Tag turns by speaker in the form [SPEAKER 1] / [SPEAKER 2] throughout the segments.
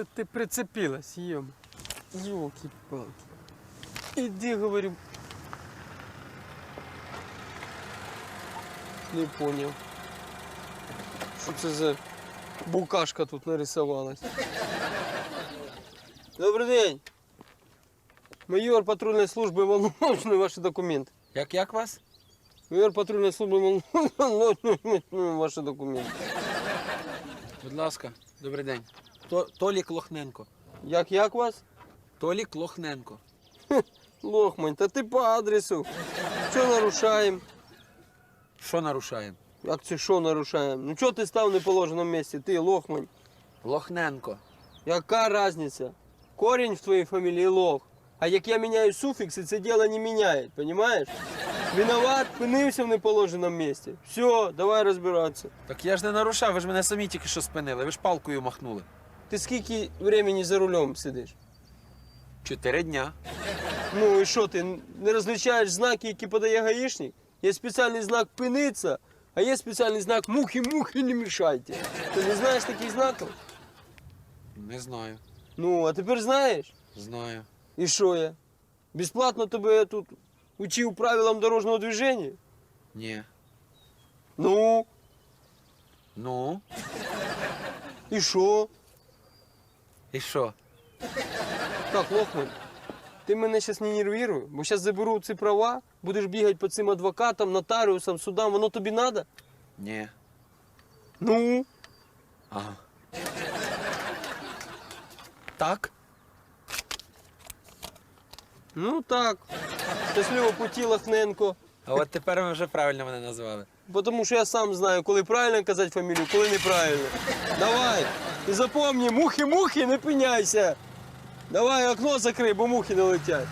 [SPEAKER 1] Что ты прицепилась, ем? Ёлки-палки. Иди, говорю. Не понял. Что это за букашка тут нарисовалась? Добрый день. Майор патрульной службы Волновочной, ваши документы.
[SPEAKER 2] Як вас?
[SPEAKER 1] Майор патрульной службы Волновочной, ваши документи.
[SPEAKER 2] Будь ласка, добрий день. Толік Лохненко.
[SPEAKER 1] Як вас?
[SPEAKER 2] Толік Лохненко.
[SPEAKER 1] Лохмань, та ти по адресу. Що нарушаємо?
[SPEAKER 2] Що нарушаємо?
[SPEAKER 1] Як це що нарушаємо? Ну чого ти став в неположеному місці? Ти, Лохмань.
[SPEAKER 2] Лохненко.
[SPEAKER 1] Яка різниця? Корінь в твоїй фамілії Лох. А як я міняю суфікси, це діло не міняє, розумієш? Виноват, пинився в неположеному місці. Все, давай розбиратися.
[SPEAKER 2] Так я ж не нарушав, ви ж мене самі тільки що спинили, ви ж палкою махнули.
[SPEAKER 1] Ти скільки времени за рулем сидиш?
[SPEAKER 2] 4 дня.
[SPEAKER 1] Ну і що, ти не розлічаєш знаки, які подає гаїшник? Є спеціальний знак «пиниться», а є спеціальний знак «мухи-мухи, не мішайте». Ти не знаєш таких знаків?
[SPEAKER 2] Не знаю.
[SPEAKER 1] Ну, а тепер знаєш?
[SPEAKER 2] Знаю.
[SPEAKER 1] І що я? Безплатно тебе тут учив правилам дорожнього движення?
[SPEAKER 2] Ні.
[SPEAKER 1] Ну,
[SPEAKER 2] Ну?
[SPEAKER 1] і що?
[SPEAKER 2] І що?
[SPEAKER 1] Так, Лохман, ти мене зараз не нервируй, бо зараз заберу ці права, будеш бігати по цим адвокатам, нотаріусам, судам, воно тобі треба?
[SPEAKER 2] Ні.
[SPEAKER 1] Ну?
[SPEAKER 2] Ага. Так?
[SPEAKER 1] Ну так. Щасливого путі, Лохненко.
[SPEAKER 2] А от тепер ви вже правильно мене назвали.
[SPEAKER 1] Тому що я сам знаю, коли правильно казати фамілію, коли неправильно. Давай. І запомни, мухи-мухи, не пиняйся. Давай окно закрий, бо мухи не летять.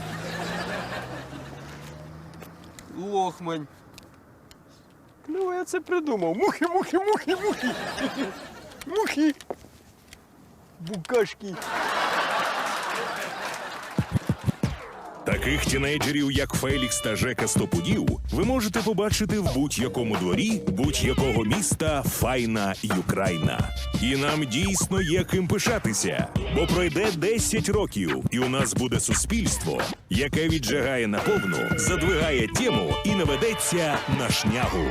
[SPEAKER 1] Лохмань. Ну, я це придумав. Мухи, мухи, мухи, мухи. Мухи. Букашки.
[SPEAKER 3] Таких тінейджерів, як Фелікс та Жека Стопудів, ви можете побачити в будь-якому дворі будь-якого міста Файна Юкрайна. І нам дійсно є ким пишатися, бо пройде 10 років, і у нас буде суспільство, яке віджигає наповну, задвигає тему і наведеться на шнягу.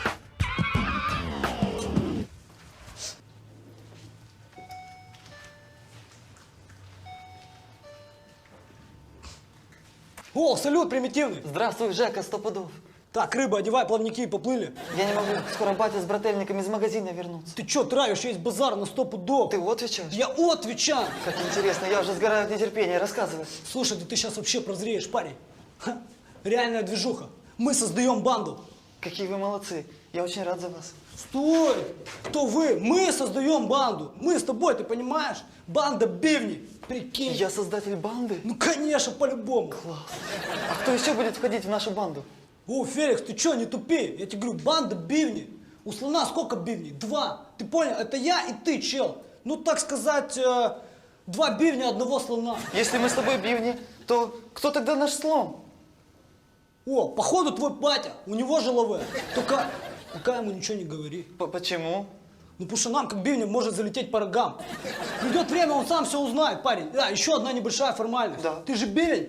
[SPEAKER 4] О, салют, примитивный.
[SPEAKER 5] Здравствуй, Жека, Стопудов.
[SPEAKER 4] Так, рыба, одевай плавники и поплыли.
[SPEAKER 5] Я не могу, скоро батя с брательниками из магазина вернутся.
[SPEAKER 4] Ты чё травишь, есть базар на 100 пудов.
[SPEAKER 5] Ты отвечаешь?
[SPEAKER 4] Я отвечаю.
[SPEAKER 5] Как интересно, я уже сгораю от нетерпения, рассказывай.
[SPEAKER 4] Слушай, ты сейчас вообще прозреешь, парень. Ха, реальная движуха. Мы создаем банду.
[SPEAKER 5] Какие вы молодцы, я очень рад за вас.
[SPEAKER 4] Стой! Кто вы? Мы создаем банду. Мы с тобой, ты понимаешь? Банда бивни. Прикинь.
[SPEAKER 5] Я создатель банды?
[SPEAKER 4] Ну, конечно, по-любому.
[SPEAKER 5] Класс. А кто еще будет входить в нашу банду?
[SPEAKER 4] О, Феликс, ты чё, не тупи? Я тебе говорю, банда бивни. У слона сколько бивней? 2. Ты понял? Это я и ты, чел. Ну, так сказать, 2 бивня одного слона.
[SPEAKER 5] Если мы с тобой бивни, то кто тогда наш слон?
[SPEAKER 4] О, походу твой батя, у него же лаве. Только пока ему ничего не говори.
[SPEAKER 5] Почему?
[SPEAKER 4] Ну, потому что нам, как бивням, может залететь по рогам. Придет время, он сам все узнает, парень. Да, еще одна небольшая формальность.
[SPEAKER 5] Да.
[SPEAKER 4] Ты же бивень.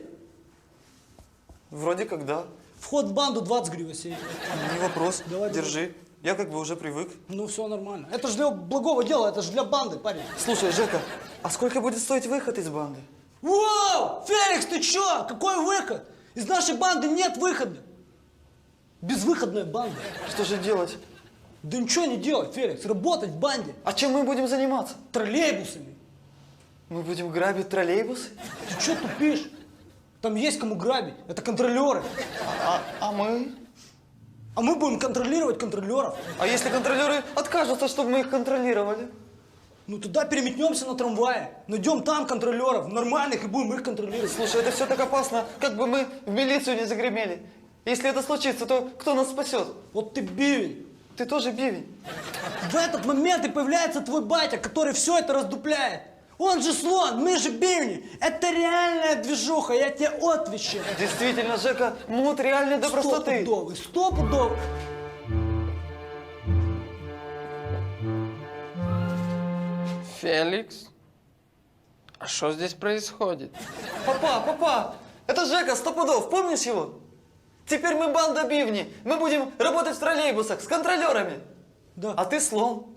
[SPEAKER 5] Вроде как да.
[SPEAKER 4] Вход в банду 20 гривен сей.
[SPEAKER 5] Не вопрос,
[SPEAKER 4] Давай,
[SPEAKER 5] держи. Я как бы уже привык.
[SPEAKER 4] Ну, все нормально. Это же для благого дела, это же для банды, парень.
[SPEAKER 5] Слушай, Жека, а сколько будет стоить выход из банды?
[SPEAKER 4] Вау! Феликс, ты чё? Какой выход? Из нашей банды нет выхода. Безвыходная банда.
[SPEAKER 5] Что же делать?
[SPEAKER 4] Да ничего не делать, Феликс. Работать в банде.
[SPEAKER 5] А чем мы будем заниматься?
[SPEAKER 4] Троллейбусами.
[SPEAKER 5] Мы будем грабить троллейбусы?
[SPEAKER 4] Ты что тупишь? Там есть кому грабить. Это контролеры.
[SPEAKER 5] А мы?
[SPEAKER 4] А мы будем контролировать контролеров.
[SPEAKER 5] А если контролеры откажутся, чтобы мы их контролировали?
[SPEAKER 4] Ну тогда переметнемся на трамвае. Найдем там контролеров, нормальных, и будем их контролировать.
[SPEAKER 5] Слушай, это все так опасно, как бы мы в милицию не загремели. Если это случится, то кто нас спасет?
[SPEAKER 4] Вот ты бивень.
[SPEAKER 5] Ты тоже бивень.
[SPEAKER 4] В этот момент и появляется твой батя, который все это раздупляет. Он же слон, мы же бивни. Это реальная движуха, я тебе отвечаю.
[SPEAKER 5] Действительно, Жека, мут реальный до простоты.
[SPEAKER 4] Стопудовый, стопудовый.
[SPEAKER 1] Фелікс? А что здесь происходит?
[SPEAKER 5] Папа, это Жека Стопудов, помнишь его? Теперь мы банда бивни. Мы будем работать в троллейбусах с контролерами.
[SPEAKER 4] Да.
[SPEAKER 5] А ты слон.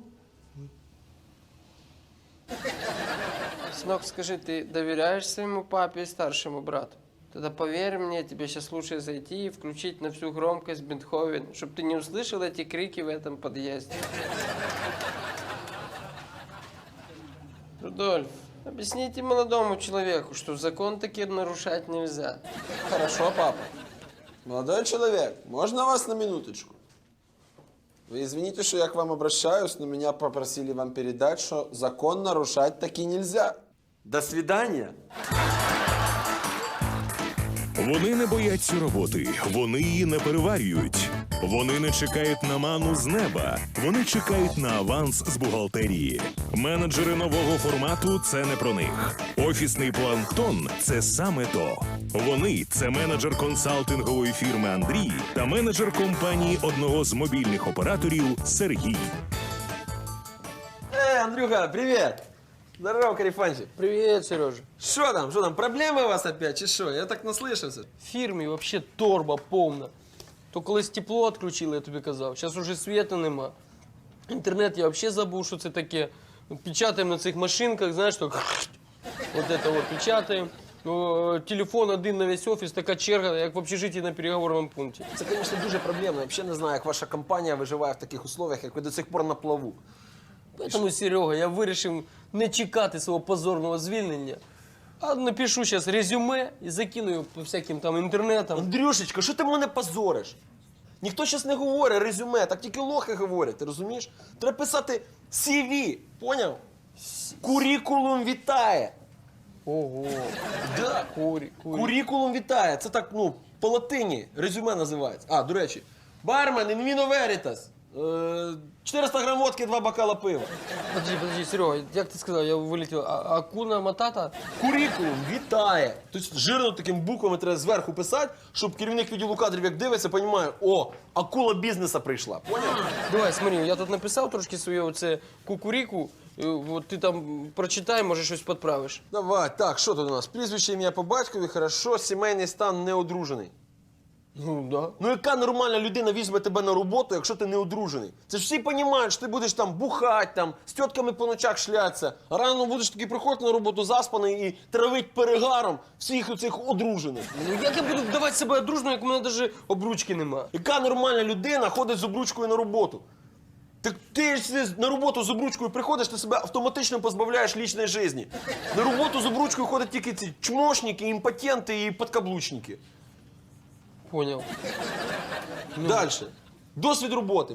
[SPEAKER 1] Сынок, скажи, ты доверяешь своему папе и старшему брату? Тогда поверь мне, тебе сейчас лучше зайти и включить на всю громкость Бетховен, чтобы ты не услышал эти крики в этом подъезде. Рудольф, объясните молодому человеку, что закон таки нарушать нельзя.
[SPEAKER 6] Хорошо, папа. Молодой человек, можно вас на минуточку? Вы извините, что я к вам обращаюсь, но меня попросили вам передать, что закон нарушать таки нельзя. До свидания.
[SPEAKER 3] Вони не бояться роботи, вони її не переварюють. Вони не чекають на ману з неба, вони чекають на аванс з бухгалтерії. Менеджери нового формату – це не про них. Офісний планктон – це саме то. Вони – це менеджер консалтингової фірми Андрій та менеджер компанії одного з мобільних операторів Сергій.
[SPEAKER 6] Андрюха, привет. Здорово, Карифанчик.
[SPEAKER 1] Привет, Сережа.
[SPEAKER 6] Что там, проблемы у вас опять, чи що? Я так наслышался.
[SPEAKER 1] В фірмі вообще торба повна. То колись тепло відключили, я тобі казав. Зараз уже світу нема. Інтернет я взагалі забув, що це таке. Печатаємо на цих машинках, знаєш, то вот это вот печатаємо. Телефон один на весь офіс, така черга, як в общежитті на переговорному пункті.
[SPEAKER 6] Це, звісно, дуже проблемно. Я взагалі не знаю, як ваша компанія виживає в таких условиях, як ви до сих пор на плаву.
[SPEAKER 1] Тому, Серега, я вирішив не чекати свого позорного звільнення, а напишу зараз резюме і закину його по всяким там інтернетам.
[SPEAKER 6] Андрюшечка, що ти мене позориш? Ніхто зараз не говорить резюме, так тільки лохи говорять, ти розумієш? Треба писати CV, поняв? Курікулум вітає.
[SPEAKER 1] Ого.
[SPEAKER 6] Да.
[SPEAKER 1] Курі.
[SPEAKER 6] Курікулум вітає. Це так, по латині резюме називається. А, до речі, бармен, інвіно верітас. 400 грам водки, 2 бокала пива.
[SPEAKER 1] Подожди, Серега, як ти сказав, я вилетів. Акуна Матата?
[SPEAKER 6] Курікулум вітає. Тобто жирно такими буквами треба зверху писати, щоб керівник відділу кадрів, як дивиться, розуміє, о, акула бізнесу прийшла. Поняв?
[SPEAKER 1] Давай, смотри, я тут написав трошки своє оце кукуріку. От ти там прочитай, може щось підправиш.
[SPEAKER 6] Давай, так, що тут у нас? Прізвище, ім'я по батькові, хорошо, сімейний стан не одружений.
[SPEAKER 1] Ну, да.
[SPEAKER 6] Ну яка нормальна людина візьме тебе на роботу, якщо ти не одружений? Це ж всі розуміють, що ти будеш там бухати, там, з тітками по ночах шлятися, а рано будеш таки приходити на роботу заспаний і травить перегаром всіх оцих одружених.
[SPEAKER 1] Ну як я буду давати себе дружно, як у мене навіть обручки нема?
[SPEAKER 6] Яка нормальна людина ходить з обручкою на роботу? Так ти ж на роботу з обручкою приходиш, ти себе автоматично позбавляєш лічної житті. На роботу з обручкою ходять тільки ці чмошники, імпотенти і подкаблучники.
[SPEAKER 1] Понял.
[SPEAKER 6] Дальше. Досвід роботи.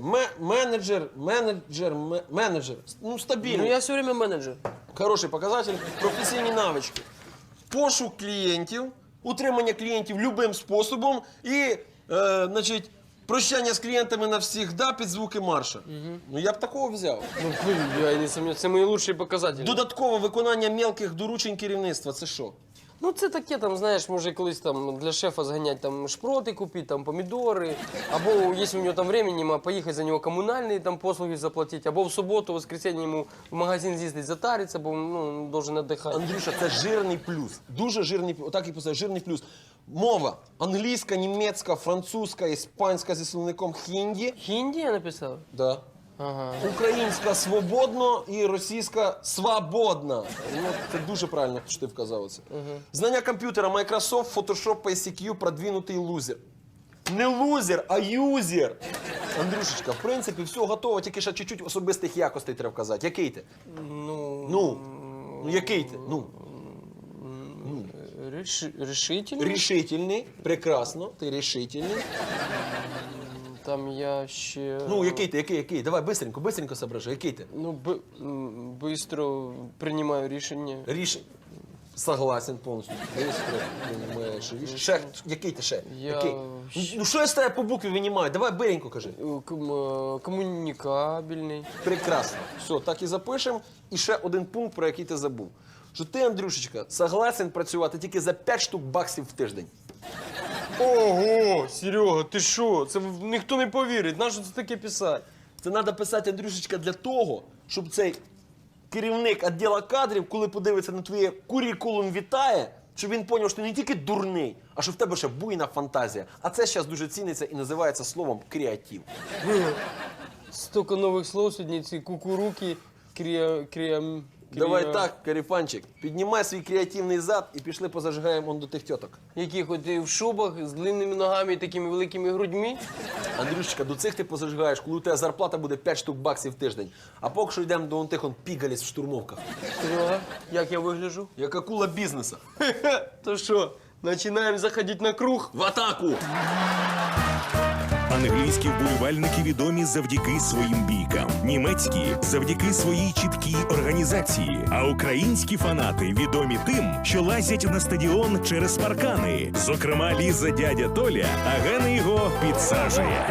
[SPEAKER 6] Менеджер. Ну, стабільний.
[SPEAKER 1] Ну я все время менеджер.
[SPEAKER 6] Хороший показатель. Професійні навички. Пошук клієнтів, утримання клієнтів любим способом і, значить, прощання з клієнтами навсігда під звуки марша. Ну, я б такого взяв.
[SPEAKER 1] Ну, я не сомневаюсь, це мої лучші показателі.
[SPEAKER 6] Додаткове виконання мелких доручень керівництва. Це що?
[SPEAKER 1] Ну це таке, там, знаєш, може колись там для шефа зганяти там шпроти купити, там помідори, або якщо у нього там времени нема, поїхати за нього комунальні там послуги заплатити, або в суботу, в воскресенье йому в магазин з'їздити затариться, бо ну, должен віддихати.
[SPEAKER 6] Андрюша, це жирний плюс. Дуже жирний, отак і писав, жирний плюс. Мова. Англійська, німецька, французька, іспанська зі словником хінді.
[SPEAKER 1] Хінді я написав?
[SPEAKER 6] Да.
[SPEAKER 1] Ага.
[SPEAKER 6] Українська свободно і російська свободна. Ну, це дуже правильно, що ти вказав це. Знання комп'ютера Microsoft, Photoshop, ICQ, продвинутий лузер. Не лузер, а юзер. Андрюшечка, в принципі, все готово, тільки ще чуть-чуть особистих якостей треба вказати. Який ти? Ну, який ти? Ну.
[SPEAKER 1] Решительний?
[SPEAKER 6] Рішительний, прекрасно, ти рішительний.
[SPEAKER 1] Там я ще...
[SPEAKER 6] Ну, який? Давай, быстренько соображай, який ти?
[SPEAKER 1] Ну, быстро приймаю рішення.
[SPEAKER 6] Рішення. Согласен повністю. Быстро приймаєш рішення. Ще, який ти ще?
[SPEAKER 1] Я
[SPEAKER 6] Який? Ну, що я з тебе по букві винімаю? Давай, биренько кажи.
[SPEAKER 1] Комунікабельний.
[SPEAKER 6] Прекрасно. Все, так і запишемо. І ще один пункт, про який ти забув. Що ти, Андрюшечка, согласен працювати тільки за 5 штук баксів в тиждень.
[SPEAKER 1] Ого, Серега, ти що? Це ніхто не повірить. Нащо це таке писати?
[SPEAKER 6] Це треба писати, Андрюшечка, для того, щоб цей керівник відділу кадрів, коли подивиться на твоє курікулум вітає, щоб він зрозумів, що ти не тільки дурний, а що в тебе ще буйна фантазія. А це зараз дуже ціниться і називається словом креатив.
[SPEAKER 1] Столько новых слов сьогодні, ці кукуруки,
[SPEAKER 6] Давай так, Каріфанчик, піднімай свій креативний зад і пішли позажигаємо он до тих тьоток.
[SPEAKER 1] Які хоч і в шубах, з длинними ногами і такими великими грудьми.
[SPEAKER 6] Андрюшечка, до цих ти позажигаєш, коли у тебе зарплата буде 5 штук баксів в тиждень. А поки що йдемо до тих он пігаліць в штурмовках.
[SPEAKER 1] Серега, як я вигляджу?
[SPEAKER 6] Як акула бізнесу.
[SPEAKER 1] То що, починаємо заходити на круг?
[SPEAKER 6] В атаку!
[SPEAKER 3] Англійські вболівальники відомі завдяки своїм бійкам, німецькі – завдяки своїй чіткій організації, а українські фанати відомі тим, що лазять на стадіон через паркани. Зокрема, Ліза дядя Толя, а Гена його підсаджує.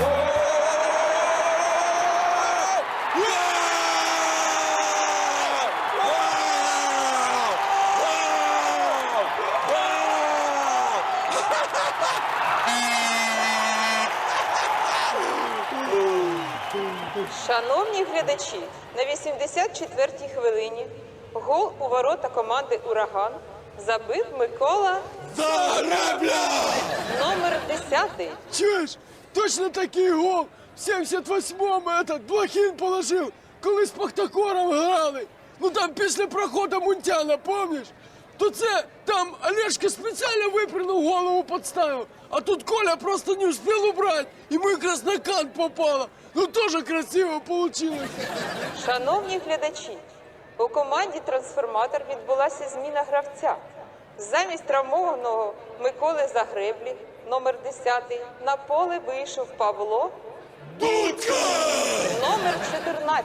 [SPEAKER 7] Шановні глядачі, на 84-й хвилині гол у ворота команди «Ураган» забив Микола Загребля! Номер 10.
[SPEAKER 8] Чуєш? Точно такий гол в 78-му этот Блохін положив, коли з Пахтакором грали. Ну там після проходу Мунтяна, помниш? То це там Олешка спеціально випрыгнув, голову підставив, а тут Коля просто не успів убрати, йому якраз на кант попало. Ну теж красиво получилось.
[SPEAKER 7] Шановні глядачі, у команді «Трансформатор» відбулася зміна гравця. Замість травмованого Миколи Загреблі, номер 10, на поле вийшов Павло Дудка! Номер 14.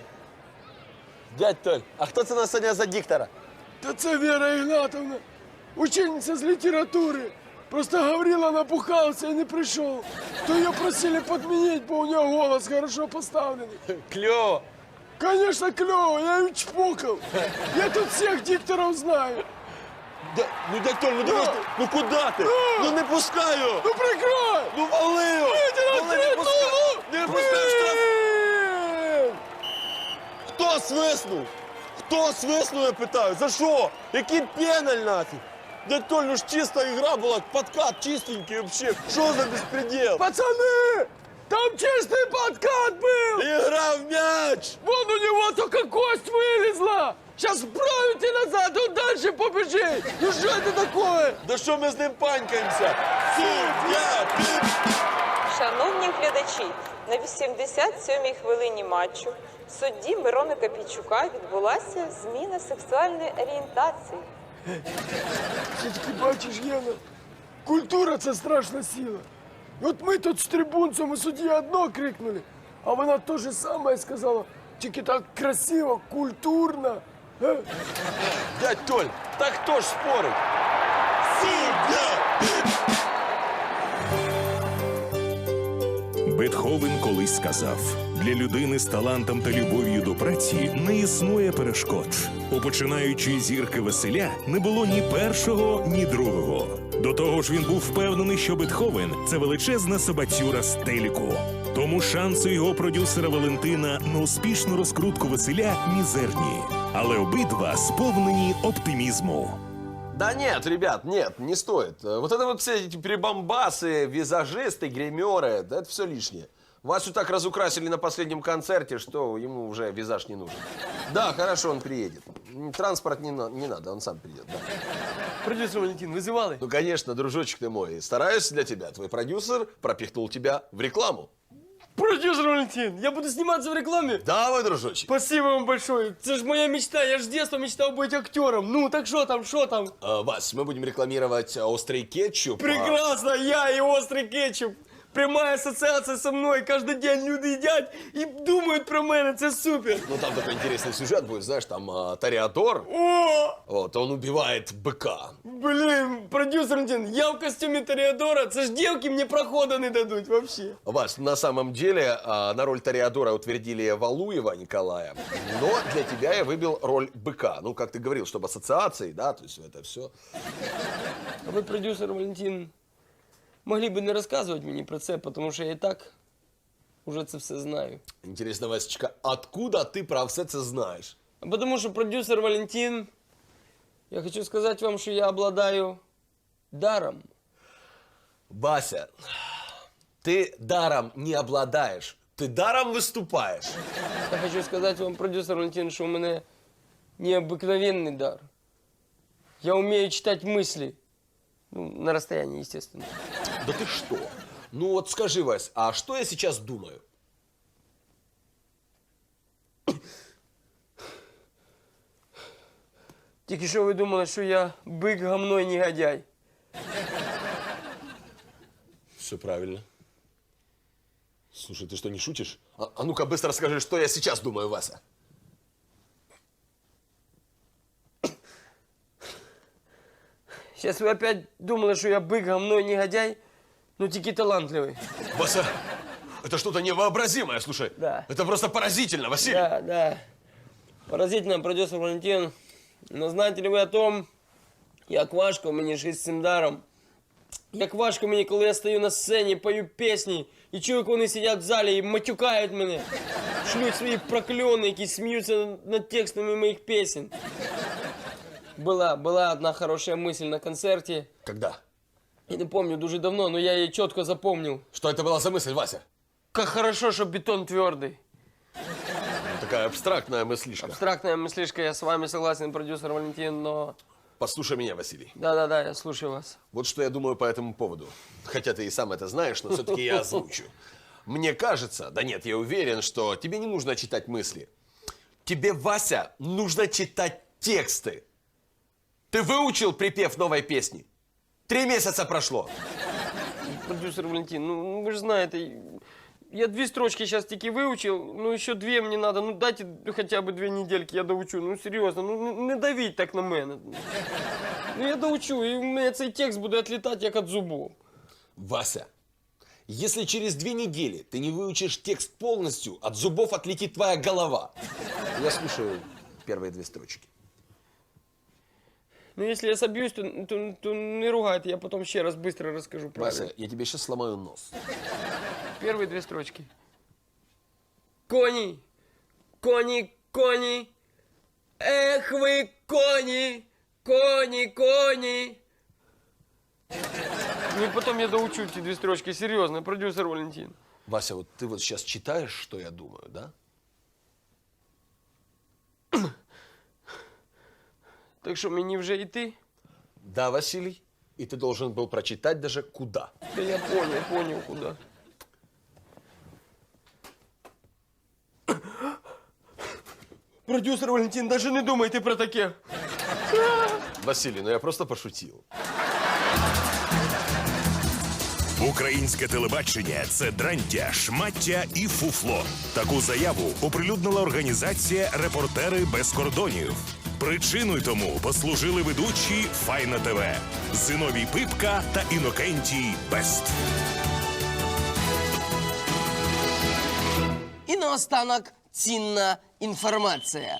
[SPEAKER 6] Дядь Толь, а хто це нас сьогодні за диктора?
[SPEAKER 8] Та це Вера Ігнатовна, учениця з літератури. Просто Гаврила напухался и не пришел. То ее просили подменить, бо у нее голос хорошо поставленный.
[SPEAKER 6] Кльово!
[SPEAKER 8] Конечно, клево, я ее чпокал. Я тут всех дикторов знаю.
[SPEAKER 6] Ну, дядь Толь, ну давай, ну куди ти? Ну не пускаю!
[SPEAKER 8] Ну прикрой!
[SPEAKER 6] Ну вали його! Вали, не пускаю! Не пускаю штраф!
[SPEAKER 8] Блин!
[SPEAKER 6] Хто свиснув? Хто свиснув, я питаю? За що? Який пеналь нафіг? Дядь Толь, ну ж чиста ігра була, подкат чистенький вообще. Що за безпредел?
[SPEAKER 8] Пацаны! Там чистый подкат был!
[SPEAKER 6] Ігра в м'яч!
[SPEAKER 8] Вон у него только кость вылезла! Сейчас вправить и назад, он дальше побежит! Ну что это такое?
[SPEAKER 6] Да що ми з ним панькаємося? Суддя!
[SPEAKER 7] Шановні глядачі, на 87-й хвилині матчу судді Мирона Копійчука відбулася зміна сексуальної орієнтації.
[SPEAKER 8] Все-таки бачиш, Гена, культура – це страшна сила. От ми тут з трибунцем і судді одно крикнули, а вона те же саме сказала, тільки так красиво, культурно.
[SPEAKER 6] Дядь Толь, так хто ж спорить? Суддя!
[SPEAKER 3] Бетховен колись сказав: для людини з талантом та любов'ю до праці не існує перешкод. У починаючої зірки Василя не було ні першого, ні другого. До того ж, він був впевнений, що Бетховен – це величезна собацюра з телеку. Тому шанси його продюсера Валентина на успішну розкрутку Василя мізерні. Але обидва сповнені оптимізму.
[SPEAKER 6] Да нет, ребят, нет, не стоит. Вот это вот все эти прибамбасы, визажисты, гримеры, да это все лишнее. Васю так разукрасили на последнем концерте, что ему уже визаж не нужен. Да, хорошо, он приедет. Транспорт не надо, он сам придет, да.
[SPEAKER 1] Продюсер Валентин, визивали?
[SPEAKER 6] Ну, конечно, дружочек ты мой, стараюсь для тебя. Твой продюсер пропихнул тебя в рекламу.
[SPEAKER 1] Продюсер Валентин, я буду сниматься в рекламе?
[SPEAKER 6] Давай, дружочек.
[SPEAKER 1] Спасибо вам большое. Это же моя мечта. Я же с детства мечтал быть актером. Ну, так что там, что там?
[SPEAKER 6] Вась, мы будем рекламировать острый кетчуп.
[SPEAKER 1] Прекрасно, я и острый кетчуп. Прямая ассоциация со мной. Каждый день люди едят и думают про меня. Это супер.
[SPEAKER 6] Ну, там такой интересный сюжет будет, знаешь, там Тореадор.
[SPEAKER 1] О!
[SPEAKER 6] Вот, он убивает быка.
[SPEAKER 1] Блин, продюсер Валентин, я в костюме Тореадора. Это ж девки мне прохода не дадут вообще.
[SPEAKER 6] Вась, на самом деле на роль Тореадора утвердили Валуева Николая, но для тебя я выбил роль быка. Ну, как ты говорил, чтобы ассоциации, да, то есть это все.
[SPEAKER 1] А вы, продюсер Валентин, могли бы не рассказывать мне про це, потому что я и так уже це все знаю.
[SPEAKER 6] Интересно, Васечка, откуда ты про все це знаешь?
[SPEAKER 1] А потому что продюсер Валентин, я хочу сказать вам, что я обладаю даром.
[SPEAKER 6] Бася, ты даром не обладаешь, ты даром выступаешь.
[SPEAKER 1] Я хочу сказать вам, продюсер Валентин, что у меня необыкновенный дар. Я умею читать мысли. Ну, на расстоянии, естественно.
[SPEAKER 6] Да ты что? Ну вот скажи, Вась, а что я сейчас думаю?
[SPEAKER 1] Тільки що ви думали, що я бык, гамно и негодяй.
[SPEAKER 6] Все правильно. Слушай, ты что, не шутишь? А ну-ка быстро скажи, что я сейчас думаю, Вася.
[SPEAKER 1] Сейчас вы опять думали, что я бык, гамно и негодяй, ну тільки талантливый.
[SPEAKER 6] Вася, это что-то невообразимое, слушай.
[SPEAKER 1] Да.
[SPEAKER 6] Это просто поразительно, Василий.
[SPEAKER 1] Да, да. Поразительно, продюсер Валентин. Но знаете ли ви о том, як важко мені жити з цим даром? Як важко мені, коли я стою на сцені, пою пісні, і чую, як вони сидять в залі і матюкають мене, шлють свої прокльони, які сміються над текстами моїх пісень. Была одна хорошая мысль на концерте.
[SPEAKER 6] Когда?
[SPEAKER 1] Я не помню, дуже давно, но я ее четко запомнил.
[SPEAKER 6] Что это была за мысль, Вася?
[SPEAKER 1] Как хорошо, что бетон твердый.
[SPEAKER 6] Такая абстрактная мыслишка.
[SPEAKER 1] Абстрактная мыслишка, я с вами согласен, продюсер Валентин, но...
[SPEAKER 6] Послушай меня, Василий.
[SPEAKER 1] Да-да-да, я слушаю вас.
[SPEAKER 6] Вот что я думаю по этому поводу. Хотя ты и сам это знаешь, но все-таки я озвучу. Мне кажется, да нет, я уверен, что тебе не нужно читать мысли. Тебе, Вася, нужно читать тексты. Ты выучил припев новой песни? 3 месяца прошло.
[SPEAKER 1] Продюсер Валентин, ну вы же знаете, я 2 строчки сейчас таки выучил, ну еще 2 мне надо, ну дайте хотя бы 2 недельки, я доучу, ну серьезно, ну не давіть так на мене. Ну я доучу, і у мене цей текст буде отлетать як от зубов.
[SPEAKER 6] Вася, если через 2 недели ты не выучишь текст полностью, от зубов отлетит твоя голова. Я слушаю первые 2 строчки.
[SPEAKER 1] Ну если я собьюсь, то не ругайте, я потом ще раз быстро расскажу правильно.
[SPEAKER 6] Вася, я тебе сейчас сломаю нос.
[SPEAKER 1] Первые 2 строчки. Кони, кони, кони, эх вы кони, кони, кони. Ну и потом я доучу эти 2 строчки, серьезно, продюсер Валентин.
[SPEAKER 6] Вася, вот ты вот сейчас читаешь, что я думаю, да?
[SPEAKER 1] Так что мне вже йти?
[SPEAKER 6] Да, Василий. И ты должен был прочитать даже куда.
[SPEAKER 1] Да я понял, куда. Продюсер Валентин, даже не думайте про таке.
[SPEAKER 6] Василий, ну я просто пошутил.
[SPEAKER 3] Українське телебачення – це дрантя, шмаття і фуфло. Таку заяву оприлюднила організація «Репортери без кордонів». Причиною тому послужили ведучі Файна ТВ, Зиновій Пипка та Інокентій Бест.
[SPEAKER 9] І наостанок цінна інформація.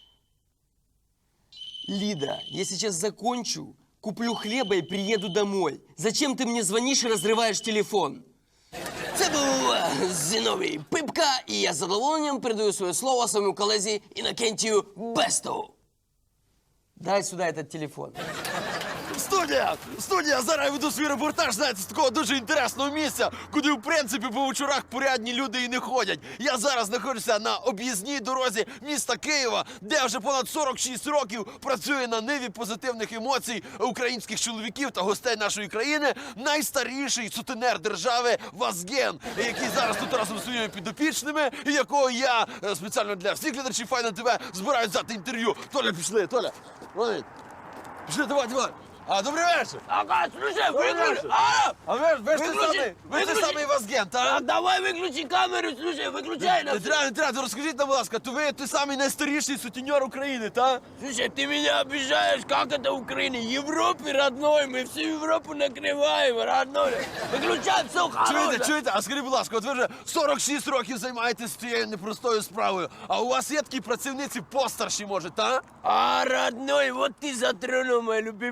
[SPEAKER 9] Лида, я сейчас закончу, куплю хлеба и приеду домой. Зачем ты мне звонишь и разрываешь телефон? Це був Зиновій Пипка, і я з задоволенням передаю своє слово своєму колезі Інокентію Бесту. Дай сюда этот телефон.
[SPEAKER 6] Студія! Зараз я веду свій репортаж, знаєте, з такого дуже інтересного місця, куди, в принципі, по вечорах порядні люди і не ходять. Я зараз знаходжуся на об'їзній дорозі міста Києва, де вже понад 46 років працює на ниві позитивних емоцій українських чоловіків та гостей нашої країни найстаріший сутенер держави Вазген, який зараз тут разом зі своїми підопічними, і якого я спеціально для всіх глядачів Файна ТВ збираюсь взяти інтерв'ю. Толя, пішли, Толя. Пішли, давай. А, добрий вечір.
[SPEAKER 9] Ага, слушай, выключи!
[SPEAKER 6] А ви ж той самий Вазген, так?
[SPEAKER 9] Давай выключи камеру, слушай, выключай
[SPEAKER 6] Не треба, розкажіть нам, будь ласка, то ви той самий найстаріший сутенер України, так?
[SPEAKER 9] Слушай, ты меня обижаешь, как это в Украине? Европе, родной, мы всю Европу накрываем, родной. Выключай все, хорошее.
[SPEAKER 6] Чуєте? А скажіть, будь ласка, от ви вже 46 років займаєтесь цією непростою справою, а у вас є такі працівниці постарші, може, так?
[SPEAKER 9] А, родной, вот ты затронул мою любимую тему.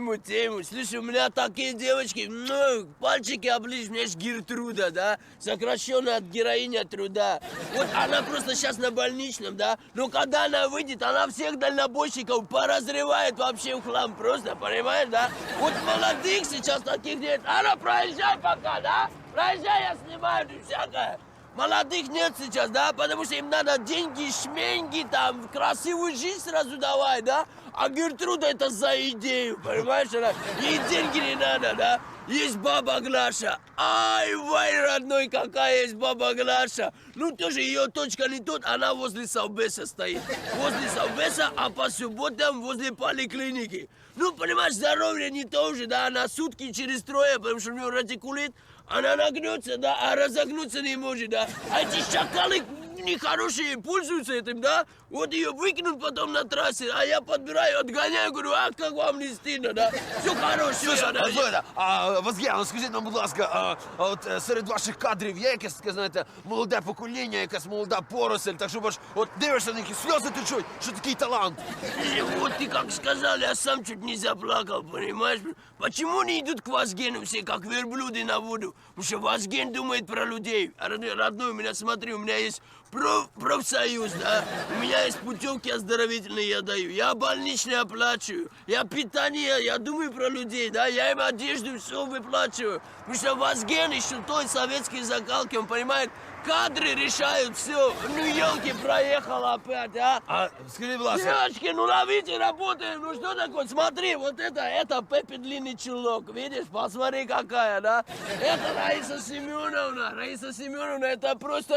[SPEAKER 9] ему, слушай, у меня такие девочки, ну, пальчики оближь, мне ж Гертруда, да, сокращенно от героиня труда. Вот она просто сейчас на больничном, да, но когда она выйдет, она всех дальнобойщиков поразрывает вообще в хлам просто, понимаешь, да? Вот молодых сейчас таких нет. Она, проезжай пока, да? Проезжай, я снимаю, и всякое. Молодых нет сейчас, да, потому что им надо деньги, шменьги, там, красивую жизнь сразу давать, да? А Гертруда это за идею, понимаешь? Ей деньги не надо, да? Есть баба Глаша. Ай, вай, родной, какая есть баба Глаша. Ну, тоже ее точка не тут, она возле Совбеза стоит. Возле Совбеза, а по субботам возле поликлиники. Ну, понимаешь, здоровье не то же, да, она сутки через трое, потому что у нее радикулит. Она нагнется, да, а разогнуться не может, да. А эти шакалы нехорошие пользуются этим, да. Вот ее выкинут потом на трассе, а я подбираю, отгоняю, говорю, а как вам не стыдно, да? Все хорошо.
[SPEAKER 2] Слухайте, Вазген, скажіть нам, будь ласка, от серед ваших кадрів є якесь, таке, знаєте, молоде покоління, якась молода поросль, так щоб аж от дивишся на них і сльози течуть, що такий талант.
[SPEAKER 9] Вот ты как сказал, я сам чуть не заплакал, понимаешь? Почему не идут к Вазгену все, как верблюды на воду? Потому что Вазген думает про людей. Родной, у меня, смотри, у меня есть профсоюз, да? У меня есть путевки оздоровительные, я даю. Я больничные оплачиваю. Я питание, я думаю про людей, да? Я им одежду, все выплачиваю. Потому что Вазген еще той советской закалки, он понимает, кадры решают все. Ну, елки, проехал опять, а?
[SPEAKER 2] А скажіть, будь ласка,
[SPEAKER 9] Девочки, ну ловите, работаем. Ну что такое? Смотри, вот это Пеппи длинный чулок. Видишь, посмотри какая, да? Это Раиса Семеновна. Раиса Семеновна, это просто,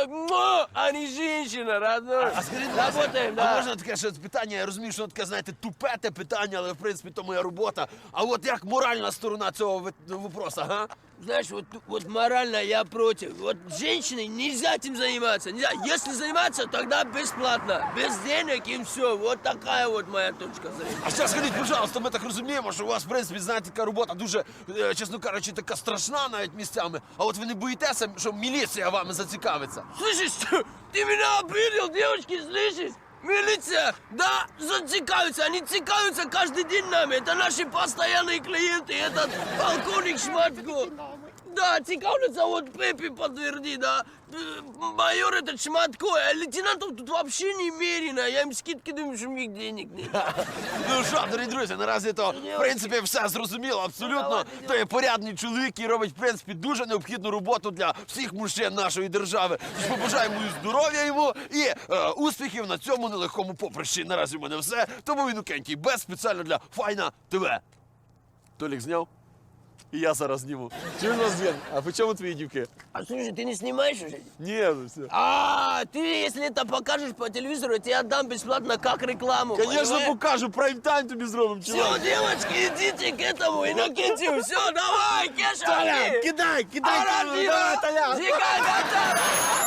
[SPEAKER 9] а не женщина, родной.
[SPEAKER 2] а скажіть, будь ласка,
[SPEAKER 9] Работаем,
[SPEAKER 2] а
[SPEAKER 9] да.
[SPEAKER 2] можна таке ще питання, я розумію, що воно таке, знаєте, тупе те питання, але в принципі то моя робота. А от як моральна сторона цього вопроса, га?
[SPEAKER 9] Знаешь, вот морально я против. Вот женщине нельзя этим заниматься. Нельзя. Если заниматься, тогда бесплатно. Без денег и все. Вот такая вот моя точка зрения.
[SPEAKER 2] А ще скажіть, пожалуйста, ми так розуміємо, що у вас, в принципі, знаєте, така робота дуже, чесно кажучи, така страшна навіть місцями. А от ви не боїтеся, що міліція вами зацікавиться?
[SPEAKER 9] Слышишь, ты меня обидел, девочки, слышишь? Милиция, да, зацикаются, они цикаются каждый день нами. Это наши постоянные клиенты, этот полковник Шматко. Да, цикаются, вот Пеппи подтверди, да. Майор этот Шматко, а лейтенантов тут вообще немерено. Я им скидки думаю, что у них денег нет.
[SPEAKER 2] Ну що, дорогі друзі, наразі то, в принципі, все зрозуміло абсолютно. То є порядний чоловік, який робить, в принципі, дуже необхідну роботу для всіх мужчин нашої держави. Тож побажаємо і здоров'я йому і успіхів на цьому нелегкому поприщі. Наразі в мене все. Тому Інокентій Бес спеціально для Файна ТВ. Толік зняв? І я зараз зніму.
[SPEAKER 6] Чуєш, Вазген, а по чому твої дівки?
[SPEAKER 9] А слушай, ты не снимаешь уже?
[SPEAKER 6] Ні, ну все.
[SPEAKER 9] А, ты, если это покажешь по телевизору, я тебе отдам бесплатно как рекламу.
[SPEAKER 6] Звісно, покажу, прайм-тайм тобі зробимо,
[SPEAKER 9] Все,
[SPEAKER 6] чувак.
[SPEAKER 9] девочки, идите к этому Иннокентию. Все, давай, Кеша,
[SPEAKER 6] Толя,
[SPEAKER 9] иди.
[SPEAKER 6] кидай камеру,
[SPEAKER 9] Арабина,
[SPEAKER 6] давай, Толя.
[SPEAKER 9] Зигай, готов.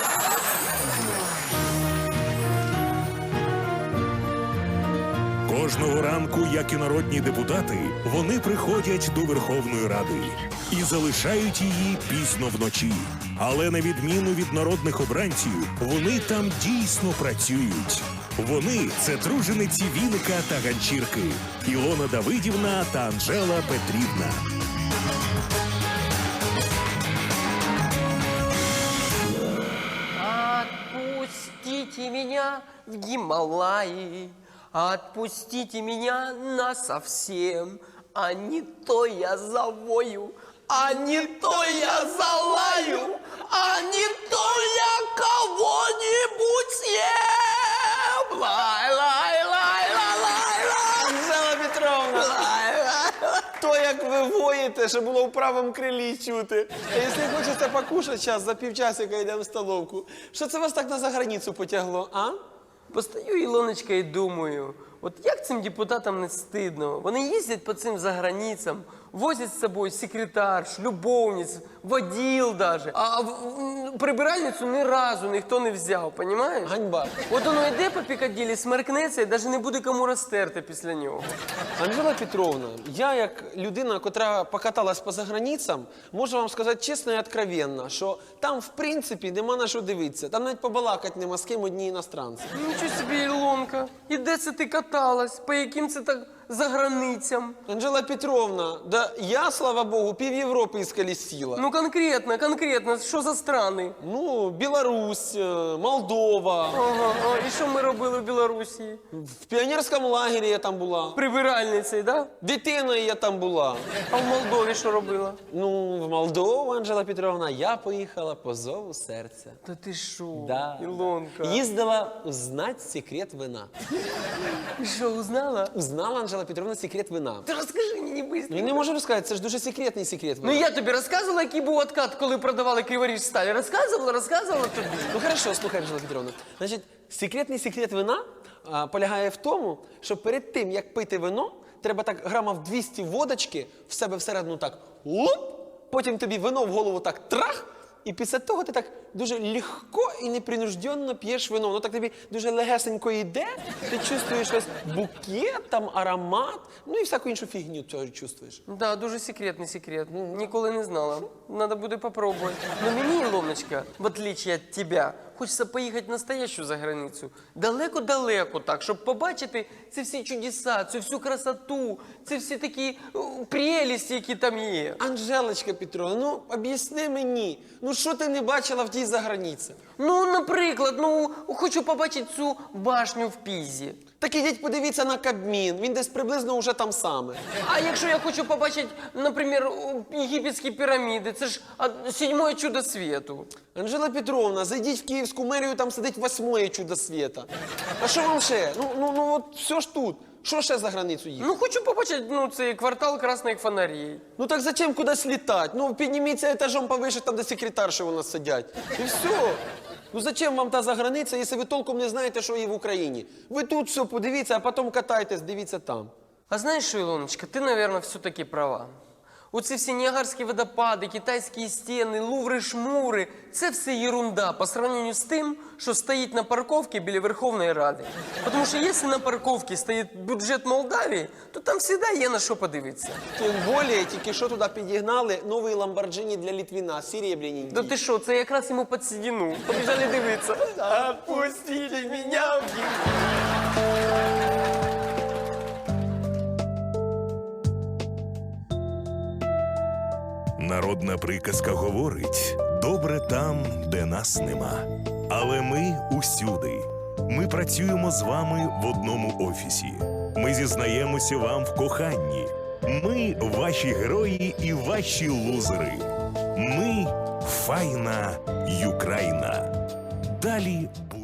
[SPEAKER 3] Кожного ранку, як і народні депутати, вони приходять до Верховної Ради і залишають її пізно вночі. Але на відміну від народних обранців, вони там дійсно працюють. Вони – це тружениці Віника та Ганчірки, Ілона Давидівна та Анжела Петрівна.
[SPEAKER 9] Отпустите меня в Гималаи, отпустите меня насовсем, а не то я завою, а не то я залаю, а не то я кого-нибудь съем. Лай-лай-лай-лай-лай-лай.
[SPEAKER 5] Анжела Петровна, то як ви воїте, що було в правому крилі чути. А якщо хочеться покушати зараз, за півчасика йдемо в столовку. Що це вас так на заграницю потягло, а?
[SPEAKER 1] Постаю, Ілоночка, і думаю, от як цим депутатам не стидно? Вони їздять по цим заграницям, возять з собою секретарш, любовниць, воділ даже. А прибиральницю ні разу ніхто не взяв, понімаєш?
[SPEAKER 5] Ганьба.
[SPEAKER 1] От воно йде по Пікаділі, смеркнеться і навіть не буде кому розтерти після нього.
[SPEAKER 5] Анжела Петровна, я як людина, котра покаталась по заграницям, можу вам сказати чесно і откровенно, що там в принципі нема на що дивитися. Там навіть побалакати нема з ким одні іностранці.
[SPEAKER 1] Нічого собі, Ілонка, і де це ти каталась? По яким це так за границям?
[SPEAKER 5] Анжела Петровна, да я, слава богу, пів Європи ісколесила.
[SPEAKER 1] Ну конкретно, що за страни?
[SPEAKER 5] Ну, Білорусь, Молдова.
[SPEAKER 1] Ага, і що ми робили в Білорусі?
[SPEAKER 5] В піонерському лагері я там була.
[SPEAKER 1] Прибиральницею, да?
[SPEAKER 5] Дитиною я там була.
[SPEAKER 1] А в Молдові що робила?
[SPEAKER 5] Ну, в Молдову, Анжела Петровна, я поїхала по зову серця.
[SPEAKER 1] Та ти що,
[SPEAKER 5] Да.
[SPEAKER 1] Ілонка?
[SPEAKER 5] Їздила узнать секрет вина.
[SPEAKER 1] Ти що, узнала?
[SPEAKER 5] Узнала, Анжела Петровна, секрет вина.
[SPEAKER 1] Ти розкажи мені быстро.
[SPEAKER 5] Я не можу розказати, це ж дуже секретний секрет вина.
[SPEAKER 1] Ну я тобі розказувала, який був откат, коли продавали Криворіж сталь. Розказувала тобі.
[SPEAKER 5] Ну хорошо, слухай, Анжела Петровна. Значить, секретний секрет вина полягає в тому, що перед тим, як пити вино, треба так грамів 200 водочки в себе всередину так луп, потім тобі вино в голову так трах, і після того ти так дуже легко і непринужденно п'єш вино. Воно так тобі дуже легесенько йде, ти чувствуєш весь букет, там аромат, ну і всяку іншу фігню цього чувствуєш.
[SPEAKER 1] Да, дуже секретний секрет. Ніколи не знала. Надо буде попробувати. Но мені, Ілоночка, в отличие від тебе, хочеться поїхати настоящу за границю. Далеко-далеко так, щоб побачити ці всі чудеса, цю всю красоту, ці всі такі прелісті, які там є.
[SPEAKER 5] Анжелочка Петровна, ну об'ясни мені, ну що ти не бачила в тій заграниці?
[SPEAKER 1] Ну, наприклад, хочу побачити цю башню в Пізі.
[SPEAKER 5] Так ідіть подивіться на Кабмін, він десь приблизно уже там саме.
[SPEAKER 1] А якщо я хочу побачити, наприклад, єгипетські піраміди, це ж 7-е чудо світу.
[SPEAKER 5] Анжела Петровна, зайдіть в Київську мерію, там сидить 8-е чудо світа. А що вам ще? Ну от все ж тут. Що ще за границю їхати?
[SPEAKER 1] Ну, хочу побачити, цей квартал красних фонарей.
[SPEAKER 5] Ну так зачем кудись літати? Ну підніміться етажом повише, там де секретарші у нас сидять. І все. Ну зачем вам та заграниця, якщо ви толком не знаєте, що є в Україні? Ви тут все подивіться, а потім катайтесь, дивіться там.
[SPEAKER 1] А знаєш що, Ілоночка, ти, мабуть, все-таки права. Оці всі Ніагарські водопади, китайські стіни, луври-шмури – це все ерунда по сравнению з тим, що стоїть на парковці біля Верховної Ради. Тому що якщо на парковці стоїть бюджет Молдавії, то там завжди є на що подивитися.
[SPEAKER 5] Тим більше, тільки що туди підігнали новий Ламборджині для Літвіна, серебряненький.
[SPEAKER 1] Да ти що, це якраз йому під седину. Побіжали дивитися. Отпустили мене в
[SPEAKER 3] Народна приказка говорить: добре там, де нас нема. Але ми усюди. Ми працюємо з вами в одному офісі. Ми зізнаємося вам в коханні. Ми ваші герої і ваші лузери. Ми файна Юкраїна. Далі буде.